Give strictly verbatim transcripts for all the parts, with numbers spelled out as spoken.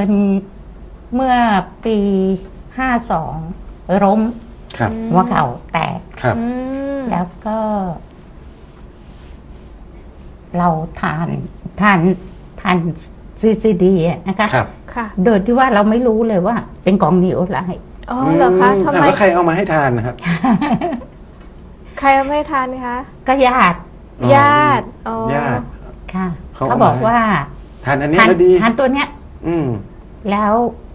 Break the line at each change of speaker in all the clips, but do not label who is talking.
เป็นเมื่อปีห้าสองล้ม
ครับ
หัวเข่าแตก
ครับ
อืม
แล้วก็ เราทานทานทานซีซีดีนะคะ
ครับ
ค่ะ
โดยที่ว่าเราไม่รู้เลยว่า เป็นกองนีโอไลท์
อ๋อเหรอคะทำไม
แล้วใครเอามาให้ทานนะครับ
ใครเอาไม่ทานคะ
ก็ญาติ
อ๋อ
ญาติอ๋อ
ญาติ
ค่ะ
เขา
เขาบอก
เอามา
ว่า
ทานอันนี้
ทาน
แล้วดี
ทานตัวเนี้ย
อืม
แล้ว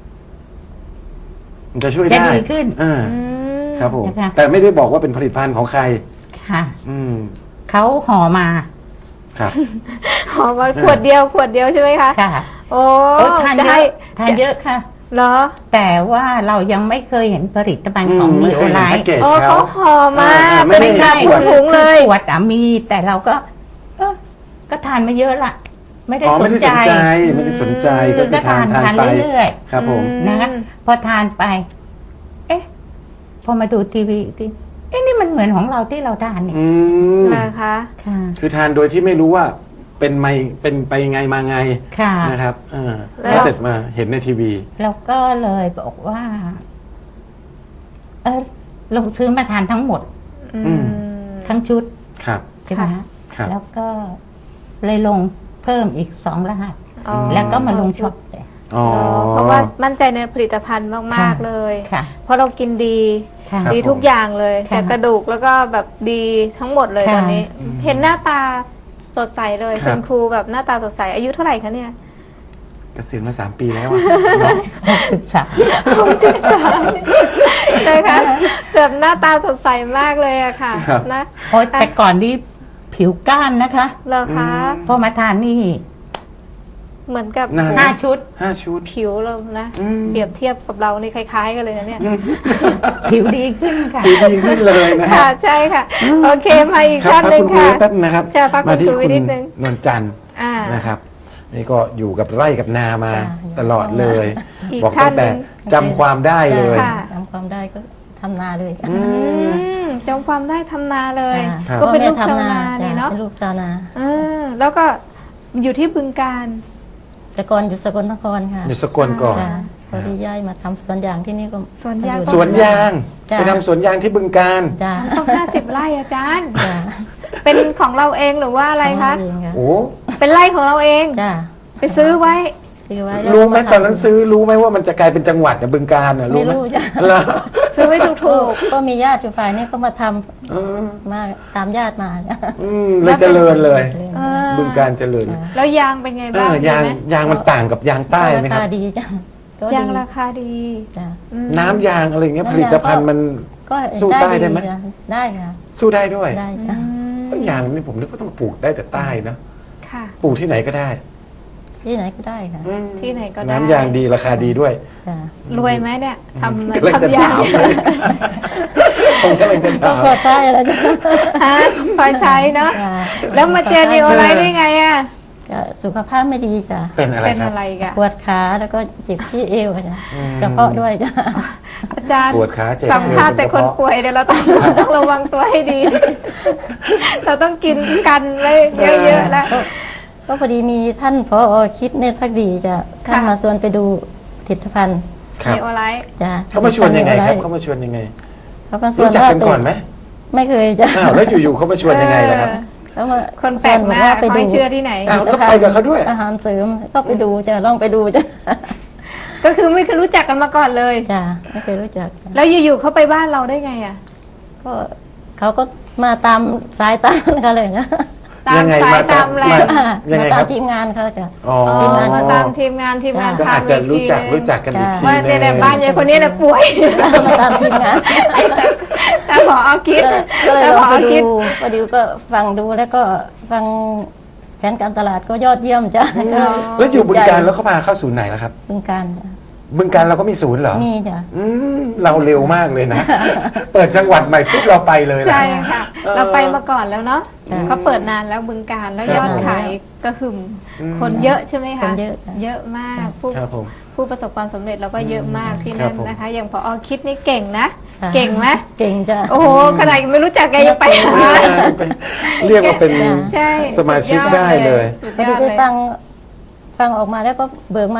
มันจะช่วย
จะ
ได้
ดีขึ้น
อ่า
อืม
ครับผม
นะคะ
แต่ไม่ได้บอกว่าเป็นผลิตภัณฑ์ของใคร
ค่ะ
อืม
เขาห่อมา
ครับ
หอมมาขวดเดียวขวดเดียวใช่ไหมคะ
ค่ะ
โอ้
โอ้ทาน
จะ
เย
ให้
อะทานเยอะค่ะ
เหรอ
แต่ว่าเรายังไม่เคยเห็นผลิตภัณฑ์ของ
อืม
นี
ไม่
โอ
เคย
ไล
เห็นแพ็ก
ท์
เกจ
โอ้
เขา
เขาห่อมา
อ่าไม่
เป็น
ได้
ชา
ข
ข
ว
ว
ด
ดถุงเลย
ขวดอะมี แต่เราก็ เออก็ทานมาเยอะละไม่ได้
อ๋อ
ส
ไม่
น
ได้
ใจ
สนใจไม่ได้สนใจ
คือก็ทาน
ทาน
ทาน
ไป
เรื่อย
ครับผม
อืม
ๆนะคะพอทานไป เอ๊ะ พอมาดูทีวีอีกทีเอ๊ะนี่มันเหมือนของเราที่เราทานเนี่ย
อืม
นะคะ
ค่ะ
คือทานโดยที่ไม่รู้ว่าเป็นไมเป็นไปไงมาไง
ค่ะ
นะครับเออ
แล้ว
แล้วเสร็จมาเห็นในทีวี
แล้วก็เลยบอกว่า เออลงซื้อมาทานทั้งหมด
อืม
ทั้งชุด
ครับ
ใช่ไหม
ค่ะ
ฮะ
ครับ
แล้วก็เลยลงเพิ่มอีกสองรหัส
อ๋อ
แล้วก็มาลง
ส
ช็
อ
อง ป
ชุด
เลย
อ๋อ
อ๋อเพราะว่ามั่นใจในผลิตภัณฑ์มาก ๆ เลย
ค่ะ
เพราะเรากินดี
ค่ะ
ครับ
ดีทุกอย่างเลย
ค่ะ
จากกระดูกแล้วก็แบบดีทั้งหมดเลย
ค่ะ
ตอนนี้ เห็นหน้าตาสดใสเลย
ครับ
คุณครูแบบหน้าตาสดใสอายุเท่าไหร่คะเนี่ย
เกษียณมาสามปีแล้วอะ
หกสิบสาม
หกสิบสามใช่คะแบบหน้าตาสดใสมากเลยอะค่ะ
ครับ
นะ
โอ้ยแต่ก่อนนี้ผิวก้านนะคะ
เหรอคะ
พอมาทานนี่
เหมือนกับ
นาน
ห้าชุด
ห้าชุด
ผิวเรานะ
อืม
เปรียบเทียบกับเรานี่คล้าย ๆ กันเลยนะเนี่ย
ผิวดีขึ้นค่ะ
ดีดีขึ้นเลยนะฮะ
ค่ะใช่ค่ะ โอเคมาอีก
ครับ
ท่าน
พัก
หนึ่ง
คุณครู
ค่ะ
แป๊บนะครับ
จะพัก
มาที่
คุณครู
คุณ
นิดนึง
นวลจันทร์
อ่า
นะครับ นี่ก็อยู่กับไร่กับนามา
จ้ะ
ตลอดเลย
อีก
บอก
ท่า
ตั้
น
ง
ห
แต่
นึ่ง
จำความได้เลย
ค่ะ
จำความได้ก็ทำนาเลยจ้ะ
อื
อื
ม
มจำความได้ทำนาเลย
จ้ะ
ครับ
ก็เป็นลูก
พ่อ
ชาว
แม่
นา
จ้ะ
นี่เนาะ
เป็นลูกชาวนา
เออแล้วก็อยู่ที่บึงการ
แต่ก่อนอยู่สกลนครค่ะ
อยู่สกลก่อน
จ้ะพอดีย้ายมาทำสวนยางที่นี่ก็
สวนยาง
มอ
สวนยาง
จ้ะ
ไปทำสวนยางที่บึงการ
จ้ะ
ต้องห้าสิบไร่อาจารย์
จ้ะ
เป็นของเราเองหรือว่าอะไรคะ
ทำเองค่ะ
โอ้
เป็นไร่ของเราเอง
จ้ะ
ไปซื้อไว้
ซื้อไว้แล้ว
รู้ไหม
ก็ทำ
ตอนนั้นซื้อรู้ไหมว่ามันจะกลายเป็นจังหวัดเนี่ยบึงการน่ะ
ไม่
รู้ไหม
รู้จ้ะ
เหรอ
ซื้อไว้ถู
ก็
ก
ก็มีญาติอยู่ฝ่ายนี้ก็มาทำ
เออ
มาตามญาติมาจ้ะ
อืมเลยเจริญเลย
ๆเออ
บึงการเจริญ
ๆแล้วยางเป็นไง
เอ
บ้าง
อ
ดี
ยาง
ไหม
ยางมันต่างกับยางใต้ไหม
รา
ครั
คา
บ
ดีจ้ะก็
ยาง
ดี
ราคาดี
จ้ะ
อืม
น้ำยางอะไรเงี้ยผลิตภัณฑ์มัน
ก็
สู้ใต้ได้ไหม
จ้ะได้ค่ะ
สู้ได้ด้วย
ได้
อื
จ้ะ
ม
ยางนี่ผมนึกว่าต้องปลูกได้แต่ใต้นะ
ค่ะ
ปลูกที่ไหนก็ได้
ที่ไหนก็ได้ค่ะ
อืม
ที่ไหนก็ได้
น้ำยางดีราคาดีด้วย
จ้ะ
รวยไหมเนี่ยทำ
กำลังจะ
ทำยา
ถาง มเลยผมกำลังจะ
ก็
ถาม
พอใช้แล้วจ้ะ
ฮะพอใช้เนาะ
จ้ะ
แล้วมาเจอนีโอไลท์ได้ไงอ่ะ
จ้ะสุขภาพไม่ดีจ้ะ
เป็นอะไร
เป็น
ครับ
อะไรกัน
ปวดขาแล้วก็เจ็บที่เอวค่ะจ้ะ
อืม
กระเพาะด้วยจ้ะ
อาจารย์
ปวดขาเจ็บ
สัมภาษณ์แต่คนป่วยเดี๋ยวเราต้องต้องระวังตัวให้ดี เราต้องกินกันไว้เยอะๆแล้ว
ก็พอดีมีท่านพอคิดเนตรพักดีจ้ะท่าน
ค่ะ
มาชวนไปดูผลิตภัณฑ์
ครับ
นีโอไลท์
จ้ะ
เขามาชวนยังไงครับ
ผลิตภัณฑ์
เขามาชวนยังไง
เขามาชวน
รู้จัก
ว่า
กันก่อนไหม
ไม่เคยจ้ะ
อ้าวแล้วอยู่ๆเขามาชวนยังไงล่ะครับ
เขามา
คนแปลกหน้า
ชวบอว่
เขาให้เชื่อที่ไหน
อ้าวแล้วไปกับเขาด้วย
อาหารเสริมก็ไปดูจ้ะลองไปดูจ้ะ
ก็คือไม่เคยรู้จักกันมาก่อนเลย
จ้ะไม่เคยรู้จักจ้ะ
แล้วอยู่ๆเขาไปบ้านเราได้ไงอ่ะ
ก็เขาก็มาตามสายตาเขาเลยนะ
ตาม
ยังไง
สาย
มา
ตามแรง
ยังไง
มา
ค
ตา
รั
ม
บ
ทีมงานเขาจ้ะ
อ๋อ
อ๋อ
ทีมงาน
มาตามทีมงานทีมงาน
ก็
พา
อาจ
ไป
จะ
ที
รู้จัก
นึง
รู้จักกันอีกที
ว่า
นึง
ในบ้านยายคนนี้น่ะป่วย
มาตามทีมงาน
แต่แต่พอเอาคิด
ก็เลย
แต่
ล
พ
อง
อ
ไป
เอาคิด
ดูพอดีก็ฟังดูแล้วก็ฟังแผนการตลาดก็ยอดเยี่ยมจ้ะก็
แล้วอยู่บึงการแล้วเขาพาเข้าศูนย์ไหนล่ะครับ
บึงการจ้ะ
บึงการเราก็มีศูนย์เหรอ
มีจ้ะ
อืมเราเร็วมากเลยนะ เปิดจังหวัดใหม่ปุ๊บเราไปเลยนะ
ใช่ค่ะ
เออ
เราไปมาก่อนแล้วเนาะ
ใช่
เขาเปิดนานแล้วบึงการแล้ว
ครับ
ยอดขายก็คืออ
ม
คนเยอะใช่ไหมคะ
คนเยอะจ้ะ
เยอะมากผู้
ครับผม
ผู้ประสบความสำเร็จเราก็เยอะมากที่
ครั
นั่
บ
น
ผม
นะคะ อย่างพอคิดนี่เก่งนะ
ค่ะ
เก่งไหม
เก่งจ้ะ
โอ้โหขนาดยังไม่รู้จักแกยังไปหา
เรียกว่าเป็น
จ้ะ
ใช่
สมาชิกได้เลย
สุด
พอย ดี
อด
ไป
เลย
ฟังฟังออกมาแล้วก็เบิกมา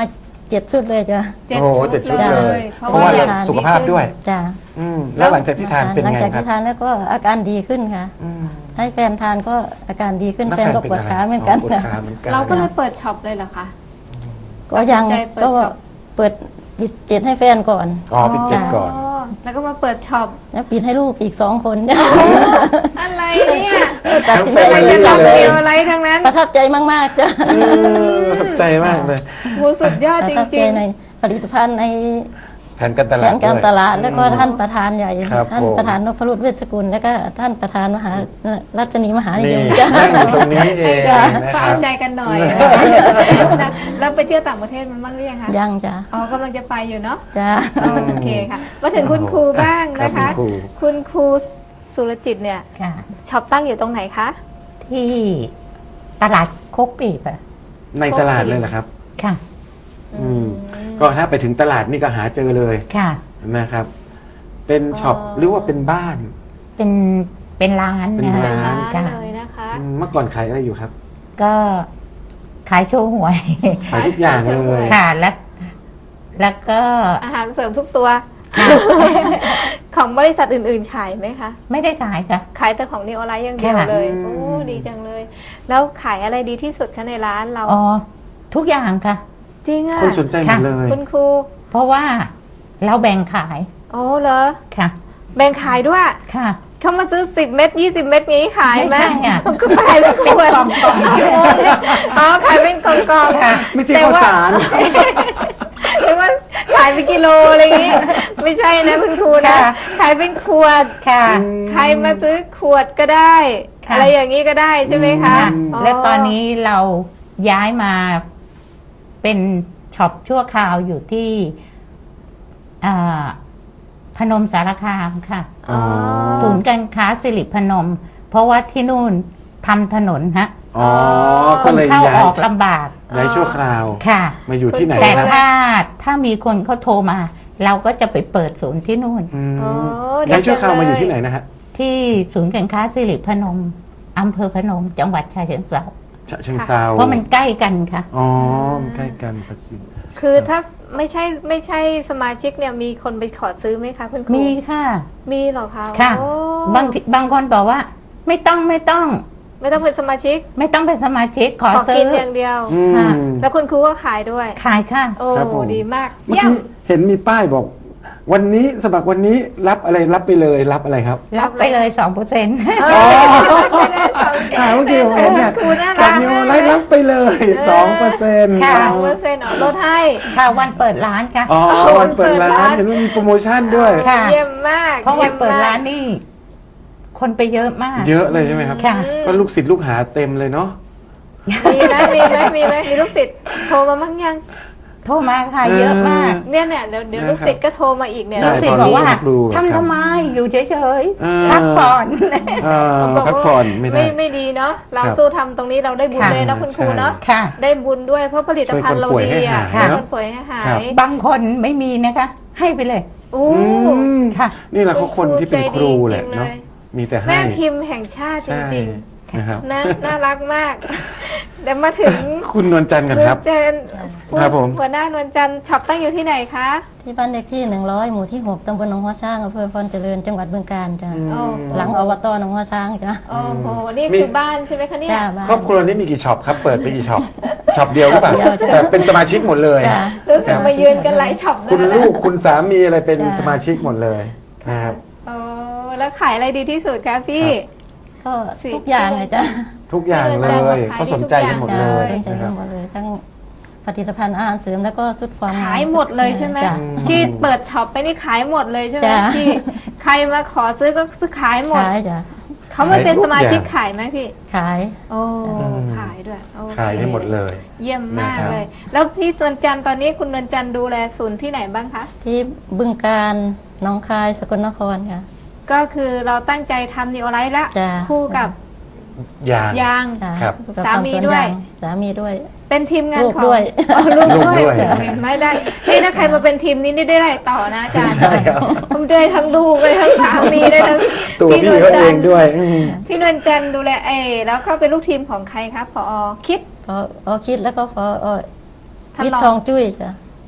เจ็ดชุดเลยจ้ะ
เจ็ด
โอ้โห
ชุ
เจ็ด
ด
ชุด
เล
เลย
ย
เพราะว่า
อย่ง
สุขภาพด้วย
จ้ะ
อืมแล้วหลังจากที่ทานเป็น
หลัง
ไง
จาก
ครั
ที่
บ
ทานแล้วก็อาการดีขึ้นค่ะ
อืม
ให้แฟนทานก็อาการดีขึ้น
ล้ว
แฟนก็ปวดขาเหมือนกัน
ปวดขาเหมือนกัน
เราก็เลยเปิดช็อปเลยเหรอคะ
ก็ยัง
ตัดสินใจเปิด
ก็
ช็อป
เปิดปิดเจ็ดให้แฟนก่อน
อ๋อปิดเจ็ดก่อน
แล้วก็มาเปิดช็อป
แล้วปิดให้ลูกอีกสองคน
อะไรเนี่ย
ตัดสินใจ
ทั้งแฟน
เป็น
ล
ช็อป
เลย
เดียวอะไรทั้งนั้น
ประทับใจมากๆจ้ะ
เออประทับใจมากเลย
หูสุดยอด
ป
จ
ระทับใจ
ริง
ในผลิตภัณฑ์ใน
แผนการต
แผ
ลาด
นการ
ด้วย
ตลาดแล้วก็ท่านประธานใหญ่
ครับ
ท่าน
ผม
ประธานนพรุตเวชสกุลแล้วก็ท่านประธานมหารัชนีมหานิ
นี่
ยมจ้ะ
นั่งอยู่ตรงนี้เอ
ๆ
ง
ให้
นะ
ก็
ค
เอา
รับ
ใจกันหน่อยนะแล้วไปเที่ยวต่างประเทศมันบ้างหรือยังคะ
ยังจ้ะ
อ๋อกำลังจะไปอยู่เนาะ
จ้ะ
โอเคค่ะ มาถึงคุณครูบ้างนะ
ครั
คะ
บคุณครู
คุณครูสุรจิตเนี่ย
ค่ะ
ช็อปตั้งอยู่ตรงไหนคะ
ที่ตลาดโคกปีบอะ
ในตลาดเลยเหรอครับ
ค่ะ
อืมก็ถ้าไปถึงตลาดนี่ก็หาเจอเลย
ค่ะ
นะครับ เป็นช็อปหรือว่าเป็นบ้าน
เป็นเป็นร้าน
เป็น
นะ
เป็นร้าน
ค่ะ
เลยนะคะ
อืมเมื่อก่อนขายอะไรอยู่ครับ
ก็ขายโชว์หวย
ขายทุกอย่างเลย
ค่ะแล้วแล้วก็
อาหารเสริมทุกตัว ของบริษัทอื่นๆขายไหมคะ
ไม่ได้ขายค่ะ
ขายแต่ของนีโอไลท์อย่างเดียว
ค่ะ
เลย
อืม
โอ้ดีจังเลย แล้วขายอะไรดีที่สุดคะในร้านเรา
อ๋อทุกอย่างค่ะ
จริงอ่ะ
คนสนใจหมดเลย
คุณครู
เพราะว่าเราแบ่งขาย
โอ้เหรอ
ค่ะ
แบ่งขายด้วย
ค่ะ
เขามาซื้อสิบเม็ดยี่สิบเม็ดงี้ขายไหม
ไม่ใช่อะ
มันก็ขายเป็นขวด
กล่องๆ
อ๋อขายเป็นกล่องๆ
ค่ะ
ไม่ใช่
แต่
ข้าว
ว่า
สาร
หรือว่าขายเป็นกิโลอะไรอย่างงี้ ไม่ใช่นะคุณครูนะ
ค่ะ
ขายเป็นขวด
ค่ะ
ใครมาซื้อขวดก็ได้
ค่ะ
อะไรอย่างนี้ก็ได้ใช่ไหมคะ
ค่ะและตอนนี้เราย้ายมาเป็นช็อปชั่วคราวอยู่ที่อ่าพนมสารคามค่ะ
อ๋อ
ศูนย์การค้าสิริพนม เพราะว่าที่นู่นทำถนนฮะ
อ๋อ
ค
ก็
น
เลย
เข้า
ย้า
อย อกลำบาก
ย้ายชั่วคราว
ค่ะ
มาอยู่ที่ไหน
แต่
ครับ
ถ้าถ้ามีคนเขาโทรมา เราก็จะไปเปิดศูนย์ที่นู่น
อืม
อ๋อ
ย้ายชั่วคราวมาอยู่
ดีจังเลย
ที่ไหนนะฮะ
ที่ศูนย์การค้าสิริพนมอำเภอพนม จังหวัดชายเชิงเทรา
ฉะเชิงเซา
เพราะมันใกล้กันค่ะ
อ๋อมันใกล้กันปัจจิม
คือถ้าไม่ใช่ไม่ใช่สมาชิกเนี่ยมีคนไปขอซื้อไหมคะคุณครู
มีค่ะ
มีเหรอคะ
ค่ะ
โอ้
บางทีบางคนบอกว่า ไม่ต้องไม่ต้อง
ไม่ต้องเป็นสมาชิก
ไม่ต้องเป็นสมาชิกขอ
ขอ
ซื้
กิ
อน
อย่างเดียว
อืม
ค่ะ
แล้วคุณครูก็ขายด้วย
ขายค่ะ
โอ้
ครับผม
ดีมาก
เมื่อ
เยี่ยม
กี้เห็นมีป้ายบอก วันนี้สมัครวันนี้รับอะไรรับไปเลยรับอะไรครับ
รับไปเลยสองเปอร์เซ็นต์
เออไม่ได้สอง
อ่าเมื่อกี้ผมเห็นเนี่ย
ครูน่า
กั
รับ ก
นิว
มาก
ไล
เลย
ท์รับไปเลยสองเปอร์เซ็นต์
ค่ะ
สองเปอร์เซ็นต์ออกลดให้
ค่ะวันเปิดร้านค่ะ
อ๋อวันเปิดร้านเห็นว่ามีโปรโมชั่นด้วย
ค่ะ
เยี่ยมมาก
เพราะวันเปิด
ยี่ยมมก
ร้านนี่คนไปเยอะมาก
เยอะเลยใช่ไหมครับ
ค่ะ
ก็ลูกศิษย์ลูกหาเต็มเลยเนาะ
มีไหมมีไหมมีไหมมีลูกศิษย์โทรมาบ้างยัง
โทรมาค่ะ เยอะมาก
เนี่ยเนี่ยเดี๋ยวเดี๋ยวลูกศิษย์ก็โทรมาอีกเนี่ย
ใช่
ลูกศิษย์บอกว่า
ตอนนี้ครูครับ
ทำทำไมอยู่เฉย
เออ
ๆพักผ่อน
เออ
บอก
พัก
ว่า
ผ่อนไม่ได้
ไม่ไม่ดีเนาะเรา
ครับ
สู้ทำตรงนี้เราได้บุญ
ค่ะ
เลยนะคุณครูเนาะ
ค่ะ
ได้บุญด้วยเพราะผลิตภัณฑ์เราดีอ่ะ
ช่วยคนป่วยให้หาย
ช่วยคนป่วยให้หา
ครับ
ย
บางคนไม่มีนะคะ ให้ไปเลย
โอ้
อืม
ค่ะ
นี่แหละเขาคนที่เป็นครูแหละ
ใจดีจริงๆ
เนาะ
เลย
มีแต่ให้
แม่พิมพ์แห่งชาติจ
ใช่
ริง
นะครับ
ๆนะน่ารักมาก เดี๋ยวมาถึง
คุณนวลจันทร์กัน
นว
ครั
ล
บ
จันทร์
ครับผม
หัวหน้านวลจันทร์ช็อปตั้งอยู่ที่ไหนคะ
ที่บ้านเลขที่หนึ่งร้อยหมู่ที่หกตำบลหนองหัวช้างอำเภอพรเจริญจังหวัดบึงกาฬจ้ะ
โอ้
หลังอบตหนองหัวช้างจ้ะ
โอ้โหนี่
มี
คือบ้านใช่ไหมคะเนี่ย
จ้าบ้าน
ครอบครัวนี้มีกี่ช็อปครับ เปิดไปกี่ช็อป ช็อปเดียวหรือเปล่า
เดียวจ้ะ
แต่เป็นสมาชิกหมดเลย
จ้ะ
รู้สึกมายืนกันหลายช็อป
คุณ
นะ
ลูกคุณสามีอะไรเป็น
จ้ะ
สมาชิกหมดเลยนะครับ
โอ้แล้วขายอะไรดีที่สุดคะพี่
ก็ทุกอย่างเลยจ้ะ
ทุกอย่างเล
ที่นวลจันทร์
ย
ขาย
เขาสนใจกันหมด
จ้ะ
เลย
สนใจ
นะค
กั
รั
น
บ
หมดเลยทั้งผลิตภัณฑ์อาหารเสริมแล้วก็ชุดความงาม
ขายหมดเลยใช่ไหม
จ้ะ
ที่เปิดช็อปไปนี่ขายหมดเลยใช่ไหม
จ้ะ
พี่ใครมาขอซื้อก็ซื้อขายหมด
ขายจ้ะ
เขามาเป็นสมาชิกขายไหมพี่
ขาย
โอ้
อืม
ขายด้วยโอเค
ขายได้หมดเลย
เยี่ยมมาก
นะครับ
เลย แล้วพี่นวลจันทร์ตอนนี้คุณนวลจันทร์ดูแลศูนย์ที่ไหนบ้างคะ
ที่บึงการหนองคายสกลนครค่ะ
ก็คือเราตั้งใจทำนิโอไลท์ละ
จ้ะ
คู่กับ
ยาง
ยาง
จ้ะ
ครับ
อยู่กับ
สามี
ทำน
ด้วย
างสามีด้วย
เป็นทีมงาน
ลูก
ของ
ด้วย
อ๋อลูก
ลูกด้
ด้
ว
วย ยเห็นไหมได้นี่ถ้าใครมาเป็นทีมนี้นี่ได้ไรต่อนะอาจารย์
ใช่ครับ
ผมได้ทั้งลูกได้ทั้งสามีได้ทั้ง
ตัวพี่
นวล
เขา
จั
เอน ง
ทร์
ด้วยอืม
พี่นวลจันทร์ดูแลเอแล้วก็เป็นลูกทีมของใครครับพอคิด
พออคิดแล้วก็พออ
ท่าน
วิท
รอง
ย์ทองจุ้ยจ้ะ
พ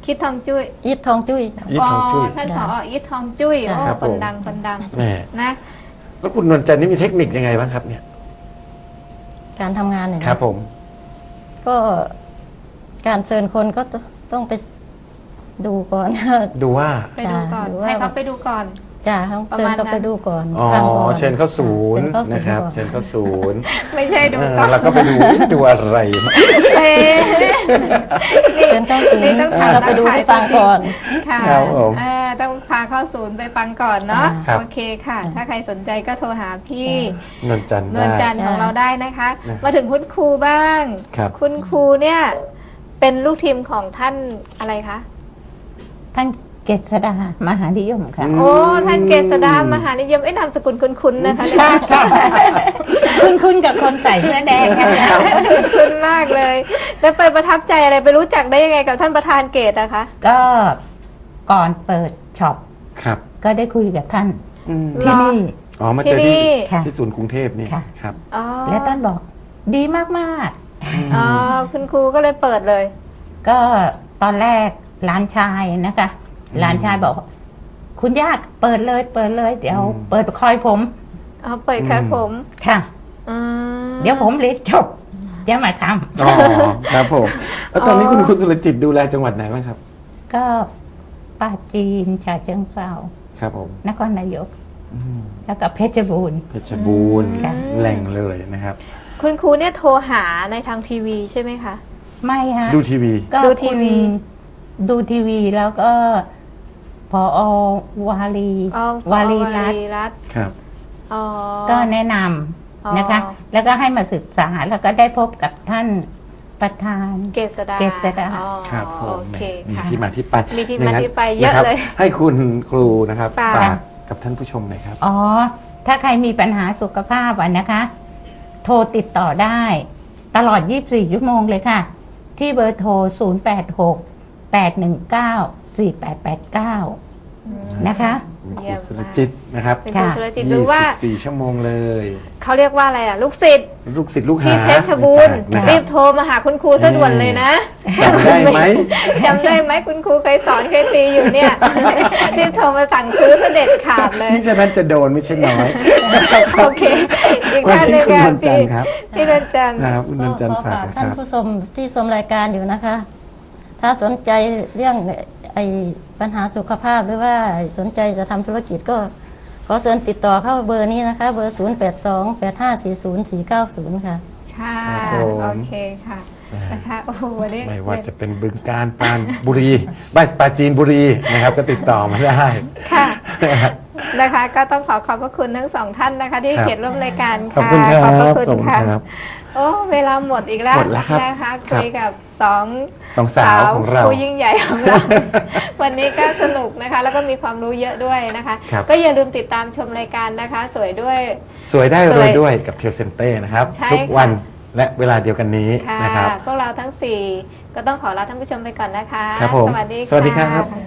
คิดทองจุ้ย
อีททองจุ้ยจ้ะ
อีททองจุ้ย
ท่านผออีททองจุ้ย
จ้ะ
โอ้
ครับ
คน
ผม
ดังคนดัง
แม่
นะ
แล้วคุณนวลจันทร์นี่มีเทคนิคยังไงบ้างครับเนี่ย
การทำงานเนี่ยนะครับ
ผม
ก็การเชิญคนก็ต้องไปดูก่อน
ดูว่า
ไปดูก่อน
จ้ะหรือว่า
ให้เขาไปดูก่อน
จ้าต้อง
ประ
เชิญ
มาณ
เขาไป
นั้น
ดูก่อน
อ๋อ
ฟังก่อน
เชิญเข้าศูนย์
เชิญเข้าศูนย์
นะครับ
ก่อน
เชิญเข้าศูนย์
ไม่ใช่ดู
เออ
ก่อน
แล้วก็ไปดูดูอะไร
เอ๊ะ
เชิญเข้าศูน
นี่
ย์
ต้องถาม
เราไปดูไปฟังก่อน
ค่ะ
ครับผม
เออต้องพาเข้าศูนย์ไปฟังก่อนเนาะ
ครับ
โอเคค่ะ ถ้าใครสนใจก็โทรหาพี่
นวลจันทร์
นวลจั
ได้
นทร์ของเราได้นะคะ
นะครับ
มาถึงคุณครูบ้าง
ครับ
คุณครูเนี่ยเป็นลูกทีมของท่านอะไรคะ
ท่านเกษดามหานิยมค่ะ
โอ้ท่านเกษดามหานิยมเอ้ยนามสกุลคุ้นๆนะคะ
ค่ะค่ะคุณคุณกับคนใส่เสื้อแดงค่ะ
คุ้นๆมากเลย แล้วไปประทับใจอะไรไปรู้จักได้ยังไงกับท่านประธานเกษอะคะ
ก็ก่อนเปิดช็อป
ครับ
ก็ได้คุยกับท่าน
อืม
ที่นี่
อ๋อมาเจอ
ที่
ที่
นี่
ค่ะ
ที่ศูนย์กรุงเทพนี่
ค่ะ
ครับ
อ๋อ
และท่านบอกดีมาก
อ๋อคุณครูก็เลยเปิดเลย
ๆ ก็ตอนแรกหลานชายนะคะหลานชายบอก คุณย่าเปิดเลย เปิดเลย เดี๋ยว
อืม
เปิดคอยผม
อ๋อเปิดครับผม
ค่ะ
อืม
เดี๋ยวผมเรียนจบจะมาท
อ๋อครับผม แล้วตอนนี้คุณคุณสุรจิตดูแลจังหวัดไหนบ้างครับ
ำก็ป้าจีนฉะเชิงเทรา
ครับผม
นครนายก
อืม
แล้วก็เพชรบูรณ์
เพชรบูรณ์
ค่ะ
แหล่งเลยนะครับ
คุณครูเนี่ยโทรหาในทางทีวีใช่ไหมคะ
ไม่ฮะ
ดูทีวี
ก็
ดูที
คุณ
วี
ดูทีวีแล้วก็พอวาลี
อ๋อ
วาลี
วา
รัต
ลี
น์
รัตน์
ครับ
อ๋อ
ก็แนะน
อ๋อ
ำนะคะ แล้วก็ให้มาศึกษาแล้วก็ได้พบกับท่านประธาน
เกษดา
เกษดา
อ๋อ
ครับผม
โอเค
มี
ค่ะ
ที่มาที่ไป
มีที่มา
างนั้น
ที่ไปเยอะ
นครับ
เลย
ให้คุณครูนะครับ
ฝาก
ฝากกับท่านผู้ชมหน่อยครับ
อ๋อ ถ้าใครมีปัญหาสุขภาพอ่ะนะคะ โทรติดต่อได้ ตลอด ยี่สิบสี่ ชั่วโมงเลยค่ะ ที่เบอร์โทร ศูนย์ แปด หก แปด หนึ่ง เก้า สี่ แปด แปด เก้า นะคะ
คุณค
เยี่
รู
ยม
สุรจิตนะครับ
เป็นครูสุรจิตหรือว่า
ยี่สิบสี่ชั่วโมงเลย
เขาเรียกว่าอะไรอ่ะ ลูกศิษย์
ลูกศิษย์ลูกหา
ที่เพชรบูรณ์
นะค
รี
รั
บบ โทรมาหาคุณครูซะด่วนเลยนะ
จำได้ไหม
จำได้ไหมคุณครูเคยสอนเคยตีอยู่เนี่ย รีบโทรมาสั่งซื้อเสด็จขาดเลย
นี่ฉะนั้นจะโดนไม่ใช่น้อย
โอเค อีก
วัน
ท่านห
นี้
นึ่ง
คุณ
ค่ะ
นวลจันทร์ครับ
พี่นวลจันทร์
นะครับคุณนวลจันทร์
ก็
ฝาก
ฝาก
นะค
ท่าน
รับ
ผู้ชมที่ชมรายการอยู่นะคะ ถ้าสนใจเรื่องไอ้ปัญหาสุขภาพหรือว่าสนใจจะทำธุรกิจก็ขอเชิญติดต่อเข้าเบอร์นี้นะคะ เบอร์ ศูนย์ แปด สอง แปด ห้า สี่ ศูนย์ สี่ เก้า ศูนย์ ค่ะ
ค่ะ
ครับผม
โอเคค่ะนะคะโอ้โหวันนี้
ไม่ว่าจะเป็นบึงการปรานบุรีบ้านปราจีนบุรีนะครับ ก็ติดต่อมาได้
ค่ะนะคะ ก็ต้องขอขอบพระคุณทั้งสองท่านนะคะ ที่
ครับ
เขียนร่วมรายการ
ขอบ
ค่ะ
คุณครับ
ขอบพระ
ข
คุ
อบ
ณ
คุณ
ค่ะ
ครับ
โอ้เวลาหมดอีกแล้ว
หมดแล้วครับ
นะคะ
ครับ
คุยกับสอง
สองสาวของเรา
ผู้ยิ่งใหญ่ของเรา วันนี้ก็สนุกนะคะ แล้วก็มีความรู้เยอะด้วยนะคะ
ครับ
ก็อย่าลืมติดตามชมรายการนะคะ สวยด้วย
สวยได้
ส
ร
ว
วย ยด้วยกับเทียวเซนเต้นะครับ
ใช่
ทุก
ค่ะ
วันและเวลาเดียวกันนี้
ค่ะ
นะครับ
พวกเราทั้งสี่ก็ต้องขอลาท่านผู้ชมไปก่อนนะคะ
ครับผม
สวัสดีค่ะ
สวัสดีครับ